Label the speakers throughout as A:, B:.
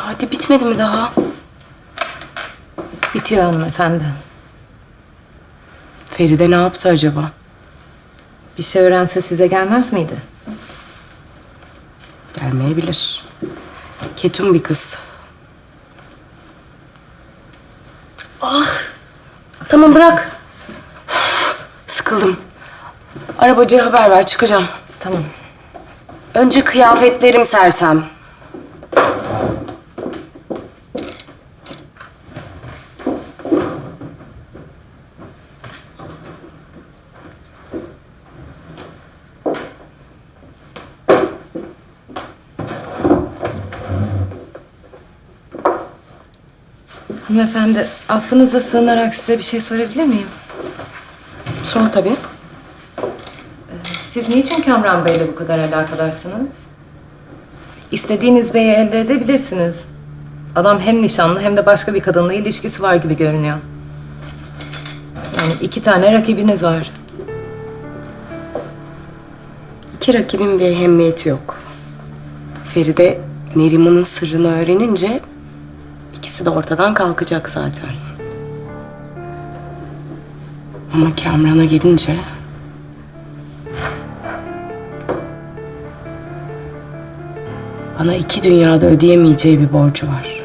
A: Hadi bitmedi mi daha?
B: Bitiyor hanımefendi.
A: Feride ne yaptı acaba?
B: Bir şey öğrense size gelmez miydi?
A: Gelmeyebilir. Ketum bir kız. Tamam bırak. Üf, sıkıldım. Arabacıya haber ver, çıkacağım.
B: Tamam.
A: Önce kıyafetlerim sersem.
B: Hanımefendi, affınıza sığınarak size bir şey sorabilir miyim?
A: Sor tabii.
B: Siz niçin Kamran Bey'le bu kadar alakadarsınız? İstediğiniz beyi elde edebilirsiniz. Adam hem nişanlı hem de başka bir kadınla ilişkisi var gibi görünüyor. Yani 2 tane rakibiniz var.
A: İki rakibin bir ehemmiyeti yok. Feride Neriman'ın sırrını öğrenince ikisi de ortadan kalkacak zaten. Ama Kamran'a gelince bana 2 dünyada ödeyemeyeceği bir borcu var.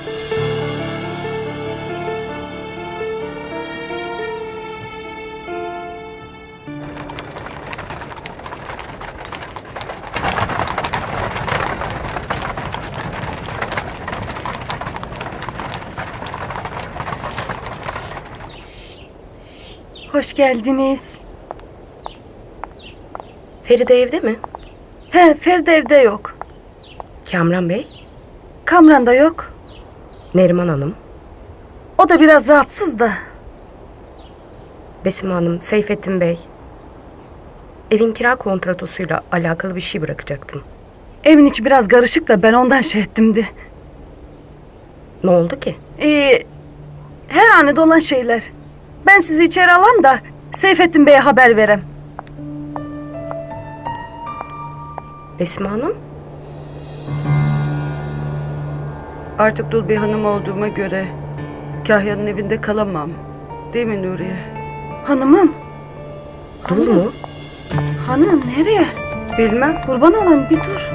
C: Hoş geldiniz.
A: Feride evde mi?
C: He, Feride evde yok.
A: Kamran Bey?
C: Kamran da yok.
A: Neriman Hanım?
C: O da biraz rahatsız da.
A: Besim Hanım, Seyfettin Bey. Evin kira kontratosuyla alakalı bir şey bırakacaktım.
C: Evin içi biraz karışık da ben ondan şey ettimdi.
A: Ne oldu ki?
C: Her hanede olan şeyler. Ben sizi içeri alam da Seyfettin Bey'e haber verem.
A: Besim Hanım?
C: Artık dul bir hanım olduğuma göre Kahya'nın evinde kalamam. Değil mi Nuriye? Hanımım.
A: Dul mu?
C: Hanımım nereye? Bilmem. Kurban olayım bir dur.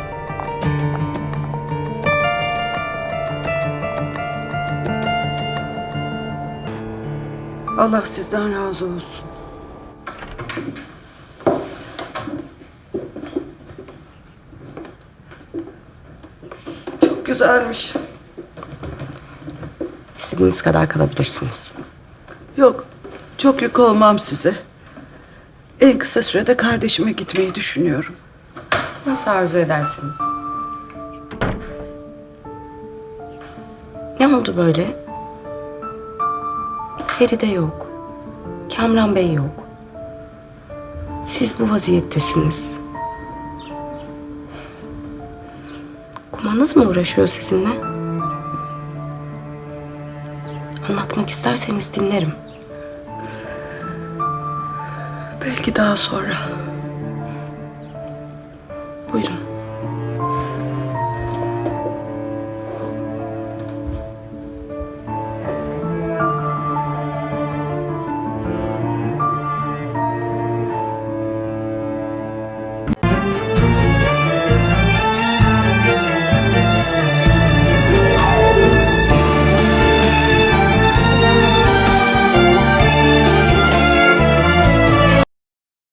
C: Allah sizden razı olsun. Çok güzelmiş.
A: İstediğiniz kadar kalabilirsiniz.
D: Yok, çok yük olmam size. En kısa sürede kardeşime gitmeyi düşünüyorum.
B: Nasıl arzu edersiniz?
A: Ne oldu böyle? Feride yok. Kamran Bey yok. Siz bu vaziyettesiniz. Kumanız mı uğraşıyor sizinle? Anlatmak isterseniz dinlerim.
D: Belki daha sonra.
A: Buyurun.